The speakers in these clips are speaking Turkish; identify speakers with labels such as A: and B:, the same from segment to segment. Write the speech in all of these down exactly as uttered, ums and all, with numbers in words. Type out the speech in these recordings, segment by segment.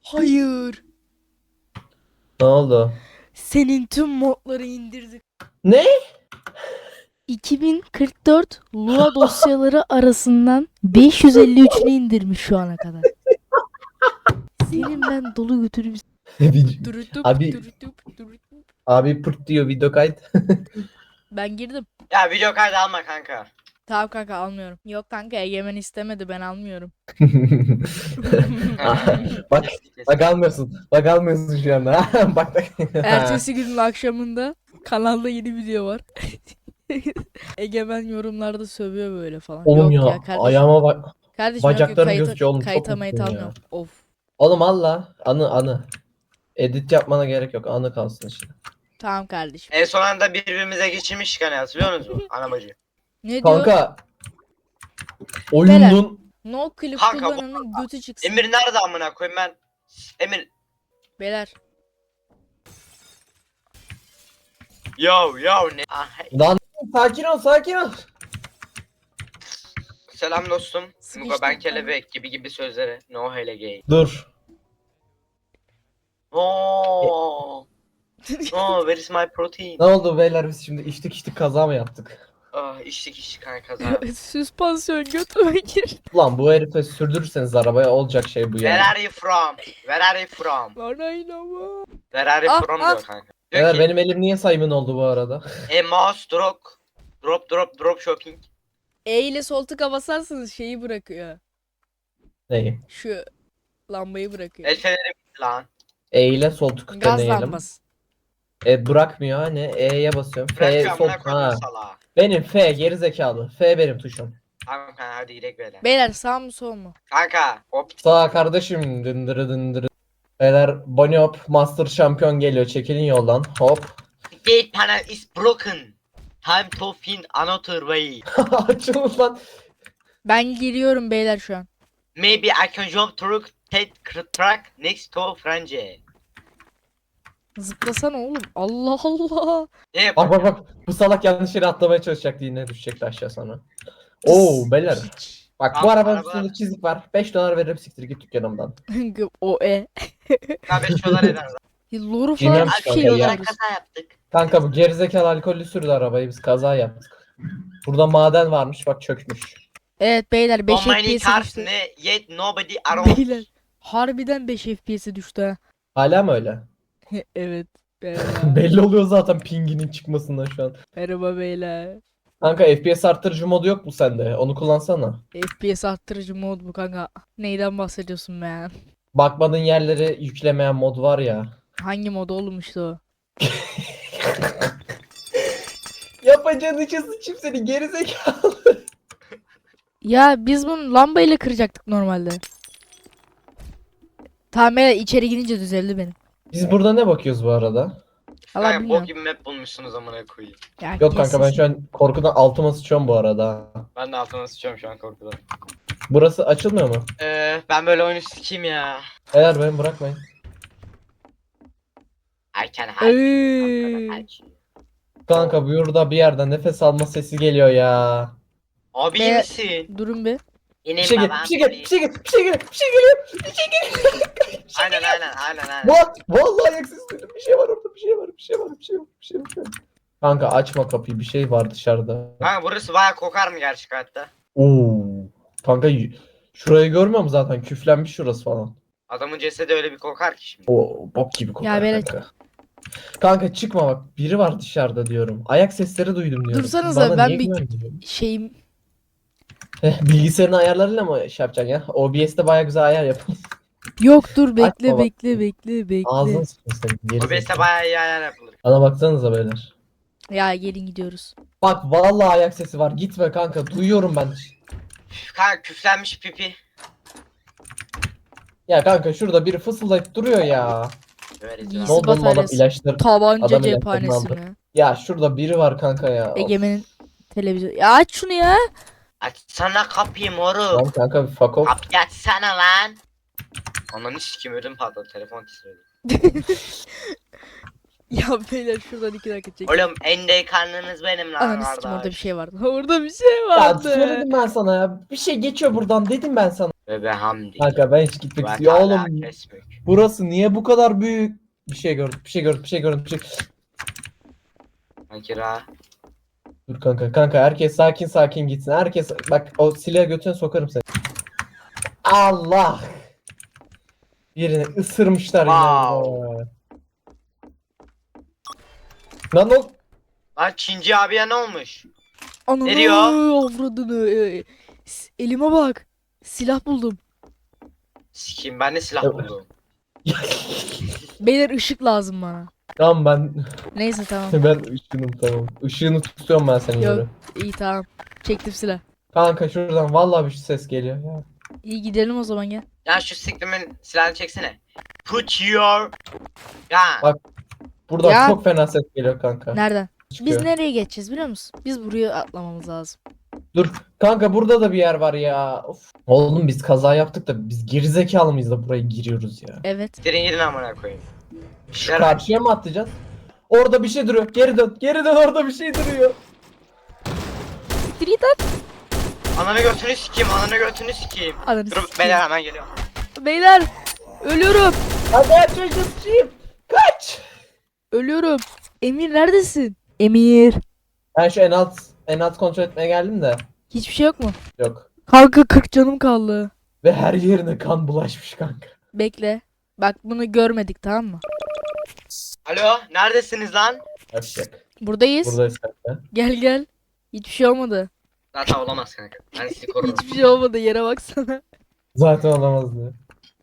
A: Hayır.
B: Ne oldu?
A: Senin tüm modları indirdik.
B: Ne?
A: iki bin kırk dört Lua dosyaları arasından beş yüz elli üçünü indirmiş şu ana kadar. Senin ben dolu götürüm.
B: Bir-
A: Durutup,
B: abi
A: durutup, durutup.
B: abi pırt diyor video kayıt.
A: Ben girdim.
C: Ya video kaydı alma kanka.
A: Tamam kanka almıyorum. Yok kanka Egemen istemedi ben almıyorum.
B: Ah, bak bak almıyorsun. Bak almıyorsun şu anda. Bak bak.
A: Ertesi günün akşamında kanalda yeni video var. Egemen yorumlarda sövüyor böyle falan.
B: Oğlum
A: yok
B: ya,
A: ya kardeşim.
B: ayağıma bak.
A: Kardeşim yok yok
B: bacaklarım
A: kayıta,
B: gözüküyor oğlum, çok
A: kayıta mayıt
B: mutluyum ya.
A: almıyorum. Of.
B: Oğlum Allah anı anı. Edit yapmana gerek yok. Anı kalsın işte.
A: Tamam kardeşim.
C: En son anda birbirimize geçirmiştik hani, hatırlıyor musunuz? Ana bacı.
A: Ne diyor?
B: Kanka oyunun
A: No clip
C: Kanka, bu-
A: kullananın götü çıksın.
C: Emir nerede amına koyayım ben? Emir.
A: Beyler.
C: Yo yo ne? Ah, hey.
B: lan sakin ol sakin ol.
C: Selam dostum.
A: Sıkıştım
C: Muga ben
A: ben.
C: kelebek gibi gibi sözleri. No hele gay.
B: Dur.
C: Oh. Oh, where is my protein?
B: Ne oldu beyler, biz şimdi içtik içtik kaza mı yaptık?
C: Ah, içtik içtik kanka kaza.
A: Süspansiyon götüme gir.
B: Ulan bu herife sürdürürseniz arabaya olacak şey bu
C: Where
B: ya.
C: are you from? Where are you from?
A: Bana inanma.
C: Where are you
A: Ah,
C: from
A: ah.
C: diyor kanka. Diyor
B: Beyler
C: ki,
B: benim elim niye sayımın oldu bu arada?
C: e mouse drop. Drop drop drop shopping.
A: E ile sol tıka basarsanız şeyi bırakıyor.
B: Neyi?
A: Şu lambayı bırakıyor.
C: El feneri lan.
B: E ile sol tık
A: Gaz
B: deneyelim.
A: lambası.
B: E bırakmıyor hani, E'ye basıyorum. F
C: Bırakıyor
B: sol
C: amına
B: ha.
C: koydum salağa.
B: Benim F geri zekalı. F benim tuşum.
C: Tamam kanka hadi gidelim böyle.
A: Beyler sağ mı sol mu?
C: Kanka hop.
B: Sağ kardeşim, dındırı dındırı. Beyler Bunny Hop Master şampiyon geliyor, çekilin yoldan. Hop.
C: Gate panel is broken. Time to find another way.
B: Açılın lan.
A: Ben giriyorum beyler şu an.
C: Maybe I can jump through that track next to Franje.
A: Zıplasana oğlum. Allah Allah.
C: Ne
B: Bak
C: yapayım?
B: bak bak. Bu salak yanlış yere atlamaya çalışacaktı, yine düşecekti aşağı sonra. Oo beyler.
A: Hiç.
B: Bak
C: Abi,
B: bu arabanın
C: araba-
B: üstünde çizik var. beş dolar veririm, siktir git dükkanımdan.
A: o e.
C: Ya beş dolar eder lan.
A: Loru
B: Cimri
A: falan
B: yapmış
A: bir şey
B: kanka ya.
A: yapıyoruz.
C: Kaza yaptık.
B: Kanka bu gerizekalı alkollü sürdü arabayı, biz kaza yaptık. Burada maden varmış, bak çökmüş.
A: Evet beyler beş
C: So many
A: F P S'e
C: cars
A: düştü.
C: ne yet nobody around.
A: Beyler. Harbiden beş F P S'e düştü ha.
B: Hala mı öyle?
A: Evet. Merhaba.
B: Belli oluyor zaten pinginin çıkmasından şu an.
A: Merhaba beyler.
B: Kanka F P S arttırıcı modu yok mu sende? Onu kullansana.
A: F P S arttırıcı mod bu kanka. Neyden bahsediyorsun be?
B: Bakmadığın yerleri yüklemeyen mod var ya.
A: Hangi mod oğlum işte o?
B: Yapacağın işe sıçayım seni gerizekalı.
A: Ya biz bunu lambayla kıracaktık normalde. Tamam beyler içeri girince düzeldi benim.
B: Biz burada ne bakıyoruz bu arada?
A: Allah
C: Kanka bok
A: bilmiyorum.
C: gibi map bulmuşsunuz amına koyayım.
A: Ya
B: Yok kanka, ben
A: kesin.
B: şu an korkudan altıma sıçıyorum bu arada.
C: Ben de altına sıçıyorum şu an korkudan.
B: Burası açılmıyor mu?
C: Ee, ben böyle oyunu sikeyim ya.
B: Eğer beni bırakmayın.
C: I can help you.
A: Ey.
C: I'm gonna help you.
B: Kanka burada bir yerden nefes alma sesi geliyor ya.
C: Abi
A: Be-
C: iyi misin?
A: Durun bir.
C: Yine
B: Bir şey gel,
C: babam
B: bir şey gel, bir
C: polis.
B: şey gel, bir şey gel, bir şey geliyor, bir şey geliyor.
C: Aynen aynen aynen aynen.
B: What? Vallahi ayak sesi duydum. Bir şey var orada, bir şey var, bir şey var, bir şey var, bir şey var. Bir şey var. Kanka açma kapıyı, bir şey var dışarıda.
C: Kanka burası baya kokar mı gerçek hayatta?
B: Oo. Kanka y- şurayı görmüyor musun zaten? Küflenmiş şurası falan.
C: Adamın cesedi öyle bir kokar ki şimdi.
B: O bok gibi kokar
A: Ya böyle-
B: kanka. Kanka çıkma bak, biri var dışarıda diyorum. Ayak sesleri duydum diyorum. Siz
A: Dursanıza,
B: bana
A: ben
B: niye
A: bir-
B: güvenmiyorsun?
A: Şeyim.
B: Eh, bilgisayarın ayarlarıyla mı şey yapacaksın ya? O B S'te baya güzel ayar yapın.
A: Yok dur bekle
B: Açma bak.
A: bekle bekle bekle.
B: Ağzını sıkın senin. geri
C: O beste
B: zekalı.
C: baya iyi ayar yapılır.
B: Bana baksanıza beyler.
A: Ya gelin gidiyoruz.
B: Bak vallahi ayak sesi var. Gitme kanka. Duyuyorum ben.
C: Üf, Kanka küflenmiş pipi.
B: Ya kanka şurada biri fısıldayıp duruyor ya.
C: Böyle
A: Giysi
B: Ne oldu oğlum, adam
A: bataryası.
B: ilaçları.
A: Tabanca
B: Adam
A: cephanesine.
B: Ya şurada biri var kanka ya. Of.
A: Egemen'in televizyon. Ya aç şunu ya.
C: Açsana kapıyı
B: Lan
C: moruk.
B: kanka bir fuck off.
C: Kapıyı açsana lan. Ananı sikim ödüm patladı telefon titredi.
A: Ya beyler şuradan iki dakika çek.
C: Oğlum en delikanlınız benim lan
A: Ananı sikim orada bir
C: kardeş.
A: şey vardı. Orada bir şey
B: Ya
A: vardı.
B: söyledim ben sana ya. Bir şey geçiyor buradan dedim ben sana.
C: Ve be hamdi.
B: Kanka ben hiç gitmek
C: Ve
B: istiyorum.
C: Teala
B: Oğlum
C: kesmek.
B: burası niye bu kadar büyük? Bir şey gördüm, bir şey gördüm, bir şey gördüm, bir şey.
C: Ankira.
B: Dur kanka, kanka herkes sakin sakin gitsin. Herkes bak o silahı götüne sokarım seni. Allah! Birini ısırmışlar yine
C: Wow.
B: burada. Lan o
C: Lan Çinci abiye ne olmuş?
A: Ananı
C: Ne diyor?
A: avradını. Ee, s- Elime bak. Silah buldum.
C: Sikiyim ben de silah
B: Evet.
C: buldum.
A: Beyler ışık lazım bana.
B: Tamam ben
A: Neyse tamam.
B: ben ışığım tamam. Işığını tutuyorum ben senin
A: Yok.
B: yürü.
A: İyi tamam. Çektim silah.
B: Kanka şuradan vallahi bir ses geliyor ya.
A: İyi gidelim o zaman gel.
C: Ya şu siklimin silahını çeksene. Put your... Ya.
B: Bak. Buradan
A: Ya.
B: çok fena ses geliyor kanka.
A: Nereden?
B: Çıkıyor.
A: Biz nereye geçeceğiz biliyor musun? Biz buraya atlamamız lazım.
B: Dur kanka burada da bir yer var ya. Of. Oğlum biz kaza yaptık da biz gerizekalı mıyız da buraya giriyoruz ya.
A: Evet.
C: Girin gidin amına koyayım.
B: Şu karşıya mı atlayacağız? Orada bir şey duruyor. Geri dön. Geri dön orada bir şey duruyor.
A: Siktir git at.
C: Ananı götünü sikeyim, ananı götünü sikeyim.
A: Ananı
C: Dur
A: sikeyim.
C: beyler hemen geliyor.
A: Beyler. Ölüyorum.
B: Hadi aç çocuğum. Kaç.
A: Ölüyorum. Emir neredesin? Emir.
B: Ben şu en alt en alt kontrol etmeye geldim de.
A: Hiçbir şey yok mu?
B: Yok.
A: Kanka kırk canım kaldı.
B: Ve her yerine kan bulaşmış kanka.
A: Bekle. Bak bunu görmedik tamam mı?
C: Alo, neredesiniz lan?
B: Yapacak.
A: Buradayız.
B: Buradayız kanka.
A: Gel gel. Hiçbir şey olmadı.
C: Zaten olamaz kanka. Ben sizi korurum.
A: Hiçbir şey olmadı. Yere baksana.
B: Zaten olamazdı.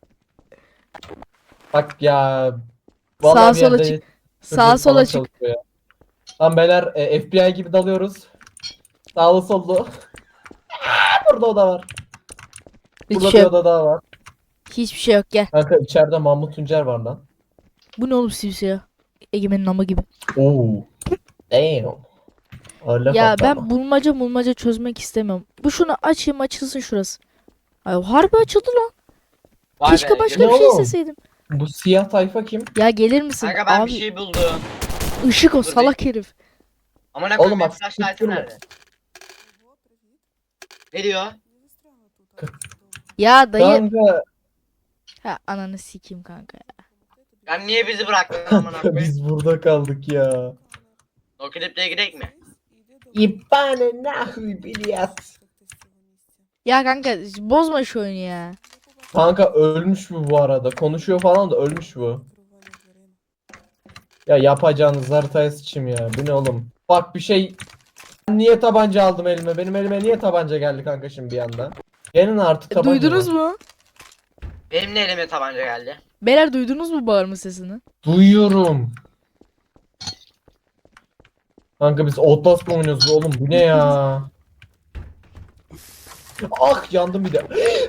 B: Bak ya.
A: Sağa
B: Vallahi bir
A: sola
B: yerde
A: çık.
B: dürbün
A: Sağa sola
B: falan
A: çık.
B: çalışıyor ya. Lan beyler e, F B I gibi dalıyoruz. Sağlı sollu. Burada oda var.
A: Hiçbir
B: Burada
A: şey
B: bir
A: yok.
B: oda daha var.
A: Hiçbir şey yok gel.
B: Kanka içeride Mahmut Tuncer var lan.
A: Bu ne oğlum simsiyah? Egemen'in ama gibi.
B: Oo. Damn. Öyle
A: Ya
B: koptu
A: ben
B: ama.
A: bulmaca bulmaca çözmek istemiyorum. Bu şunu açayım açılsın şurası. Ay harbi açıldı lan.
C: Vay
A: Keşke
C: be,
A: başka
B: ne
A: bir şey
B: oğlum?
A: isteseydim.
B: Bu siyah tayfa kim?
A: Ya gelir misin?
C: Kanka ben
A: Abi
C: bir şey buldum.
A: ışık o
C: Dur
A: salak herif.
C: Amına
B: Oğlum
C: koyayım
B: bak,
C: benim flashlight'ım
B: tutturma.
C: nerede? Ne diyor?
A: Ya dayı.
B: Kanka
A: Ha ananı sikeyim kanka ya.
C: Ben niye bizi bıraktın amına koyayım?
B: biz burada kaldık ya.
C: O kliple gidelim mi?
B: İbane nahui biliyat.
A: Ya kanka bozma şu oyunu ya.
B: Kanka ölmüş bu bu arada. Konuşuyor falan da ölmüş bu. Ya yapacağınız haritaya sıçayım ya. Bu ne oğlum? Bak bir şey. Ben niye tabanca aldım elime? Benim elime niye tabanca geldi kanka şimdi bir anda? Gelin artık
A: E,
B: tabanca.
A: duydunuz
B: var.
A: mu?
C: Benim de elime tabanca geldi.
A: Beyler duydunuz mu bağırma sesini?
B: Duyuyorum. Kanka biz Outlast mı oynuyoruz oğlum? Bu ne ya? Ah yandım bir de.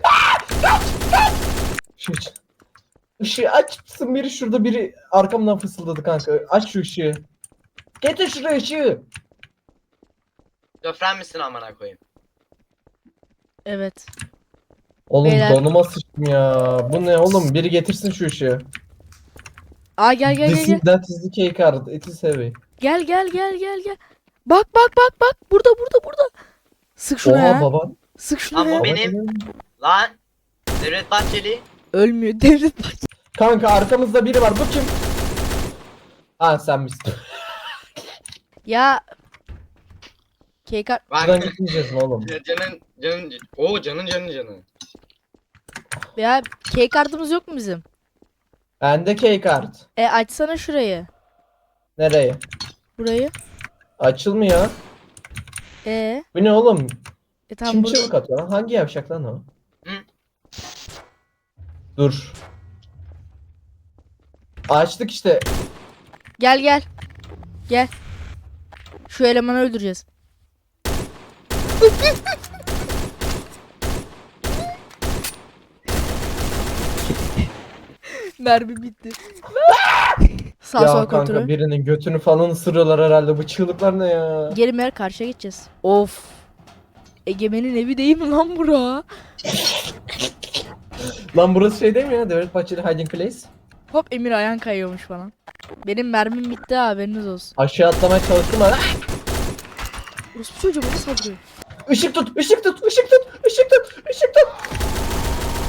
B: Şu için. Işığı aç mısın? Biri şurada biri arkamdan fısıldadı kanka. Aç şu ışığı. Getir şuraya ışığı.
C: Göfren misin amına koyayım?
A: Evet.
B: Oğlum
A: Beyler.
B: donuma sıçtım ya. Bu ne oğlum? Biri getirsin şu ışığı.
A: Aa gel gel
B: This
A: gel
B: is
A: gel.
B: that is the key card. It is heavy.
A: Gel gel gel gel gel. Bak bak bak bak. Burada burada burada. Sık şunu
B: Oha
A: ya.
B: baban.
A: Sık şunu
C: Ama
A: ya.
C: o benim. Lan. Devlet Bahçeli.
A: Ölmüyor. Devlet Bahçeli.
B: Kanka arkamızda biri var. Bu kim? Ha sen misin?
A: Ya. Kekar.
C: Bak.
B: Buradan gitmeyeceğiz mi oğlum?
C: Canın canın. Oo canın canın canın.
A: Ya key kartımız yok mu bizim?
B: Bende key card.
A: E açsana şurayı.
B: Nereye?
A: Burayı.
B: Açılmıyor.
A: E.
B: Bu ne oğlum?
A: E tamam
B: Kim
A: burada.
B: çığlık atıyor lan? Hangi yavşak lan o?
C: Hı?
B: Dur. Açtık işte.
A: Gel gel. Gel. Şu elemanı öldüreceğiz. Mermi bitti. Sağ
B: Ya
A: sol
B: kanka
A: kontrol.
B: birinin götünü falan ısırıyorlar herhalde. Bu çığlıklar ne ya?
A: Geri mer karşıya geçeceğiz. Of. Egemen'in evi değil mi lan bura?
B: Lan burası şey değil mi ya? Devlet Bahçeli Hiding Place.
A: Hop Emir ayağın kayıyormuş falan. Benim mermim bitti ha, haberiniz olsun.
B: Aşağı atlamaya çalıştım ama.
A: Orospu çocuğu bana saldırıyor.
B: Işık tut, ışık tut, ışık tut, ışık tut, ışık tut.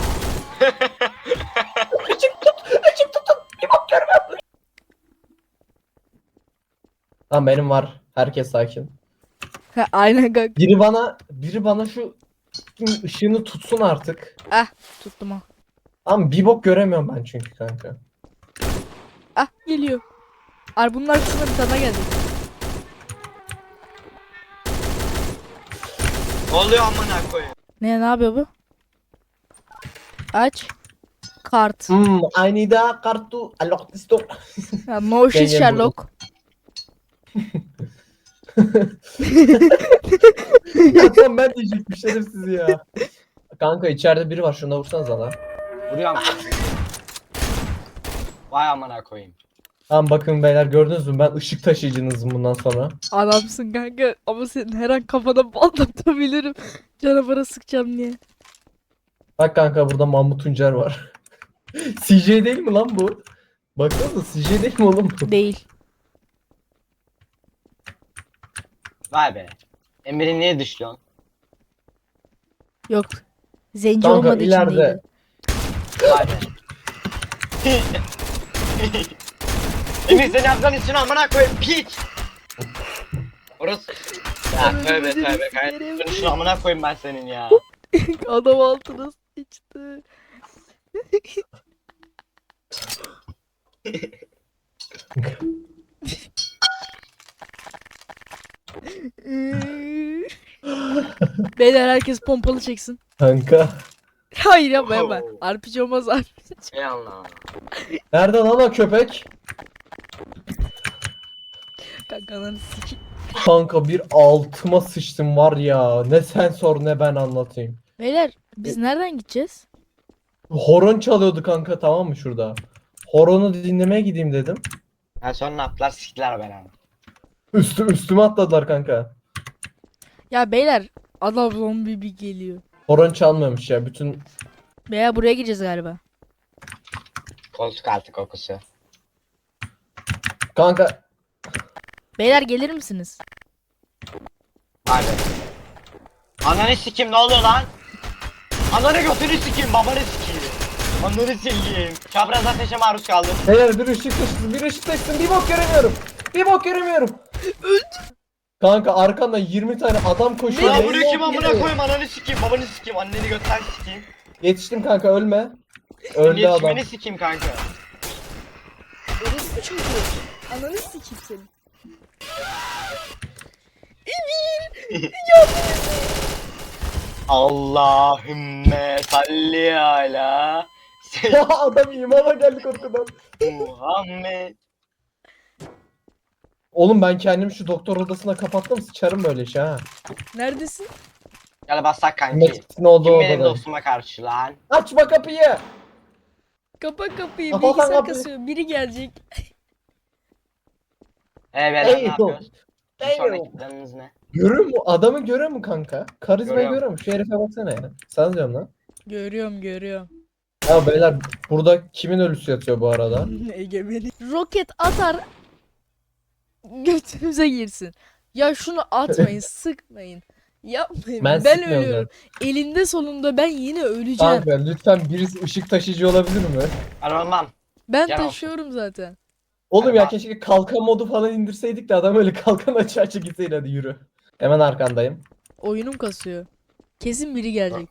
B: Tamam benim var. Herkes sakin.
A: Ha, aynen kanka.
B: Biri bana biri bana şu ışığını tutsun artık.
A: Ah tuttum ha.
B: Ama bir bok göremiyorum ben çünkü kanka.
A: Ah geliyor. Ar bunlar kısmına bir tane geldi.
C: Ne oluyor amına koyayım?
A: Ne ne yapıyor bu? Aç. Kart.
B: Hmm, I need a card to unlock this door.
A: Ya, no shit
B: Gel, gel
A: Sherlock.
B: Ya tamam ben diyecektim şerefsiz ya. Kanka içeride biri var, şuna vursanıza lan.
C: Vuruyorum. Vay amına koyayım.
B: Tamam bakın beyler, gördünüz mü, ben ışık taşıyıcınızım bundan sonra.
A: Adamsın kanka ama senin her an kafana patlatabilirim. Canavara sıkacağım diye.
B: Bak kanka burada Mahmut Tuncer var. C J değil mi lan bu? Baksanıza C J değil mi oğlum bu?
A: Değil.
C: Vay be. Emir'i niye düşüyorsun?
A: Yok. Zenci
B: Kanka
A: olmadığı için
B: ileride.
A: değil.
C: Vay be. Emir seni yaptığın için amına koyayım piç. Orası. Ya tövbe tövbe kanka. Şunu şunu amına koyayım ben senin ya.
A: Adam altına sıçtı. Beyler herkes pompalı çeksin.
B: Kanka.
A: Hayır yapma yapma.
C: Oo.
A: R P G olmaz R P G.
C: Ey Allah.
B: Nerede lan o köpek?
A: Kanka ananı sikeyim.
B: Kanka bir altıma sıçtım var ya. Ne sen sor ne ben anlatayım.
A: Beyler biz nereden gideceğiz?
B: Horon çalıyordu kanka, tamam mı şurada? Horonu dinlemeye gideyim dedim.
C: Ha sonra ne yaptılar siktiler beni ama.
B: Üstü, üstüme atladılar kanka.
A: Ya beyler adam zombi bir geliyor.
B: Horon çalmıyormuş ya. Bütün
A: Beyler buraya gideceğiz galiba.
C: Koltuk altı kokusu.
B: kanka
A: Beyler gelir misiniz?
C: Vay be. Ananı sikim ne oluyor lan? Ananı götünü sikim babanı sikim. Ananı sikeyim. Çapraz ateşe maruz kaldım.
B: beyler bir ışık taşısın, bir ışık taşısın, bir bok göremiyorum. Bir bok göremiyorum. Kanka arkanda yirmi tane adam koşuyor.
C: Ya
B: neyin
C: bunu kim
B: olduğunu
C: amına
B: bilmiyorum.
C: koyayım ananı sikeyim babanı sikeyim anneni götten sikeyim.
B: Yetiştim kanka, ölme. Öldü adam.
C: Geçmeni sikeyim kanka.
A: Orası çocuğu. Ananı sikeyim seni.
C: Allahümme salli ala
B: Ya adam imana geldi korkudan.
C: Muhammed.
B: Oğlum ben kendimi şu doktor odasına kapattım, sıçarım böyle şey ha.
A: Neredesin?
C: Gel bassak kanki.
B: Metin olduğu
C: Kim benim
B: odada.
C: dostuma karşı lan?
B: Açma kapıyı.
A: Kapa kapıyı.
B: Kapa
A: Bilgisayar
B: kapıyı.
A: kasıyor. Biri gelecek.
C: Ee beyler ne
B: Ey
C: yapıyoruz? Bir
B: Ey
C: sonraki planınız ne?
B: Görüyor mu? Adamı görüyor mu kanka? Karizmayı
C: Görüyorum.
B: görüyor mu? Şu herife baksana ya. Sana diyorum lan.
A: Görüyorum görüyorum.
B: Ya beyler burada kimin ölüsü yatıyor bu arada?
A: Egemeni. Roket atar. Götümüze girsin. Ya şunu atmayın, sıkmayın. Yapmayın.
B: Ben
A: Ben,
B: sıkmıyorum
A: ölüyorum. Elinde sonunda ben yine öleceğim.
B: Kanka lütfen birisi ışık taşıyıcı olabilir mi?
C: Ben olmam.
A: Ben
C: Gel
A: taşıyorum zaten.
B: Oğlum
C: Hadi
B: ya
C: bak.
B: keşke kalkan modu falan indirseydik de adam öyle kalkan açı açı gitseydi, hadi yürü. Hemen arkandayım.
A: Oyunum kasıyor. Kesin biri gelecek.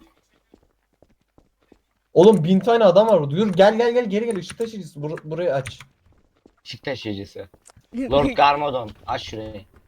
B: Oğlum bin tane adam var burada. Yürü gel gel gel geri gel, ışık taşıyıcısı Bur- burayı aç.
C: Işık taşıyıcısı. Lord Garmadon. Aç şurayı.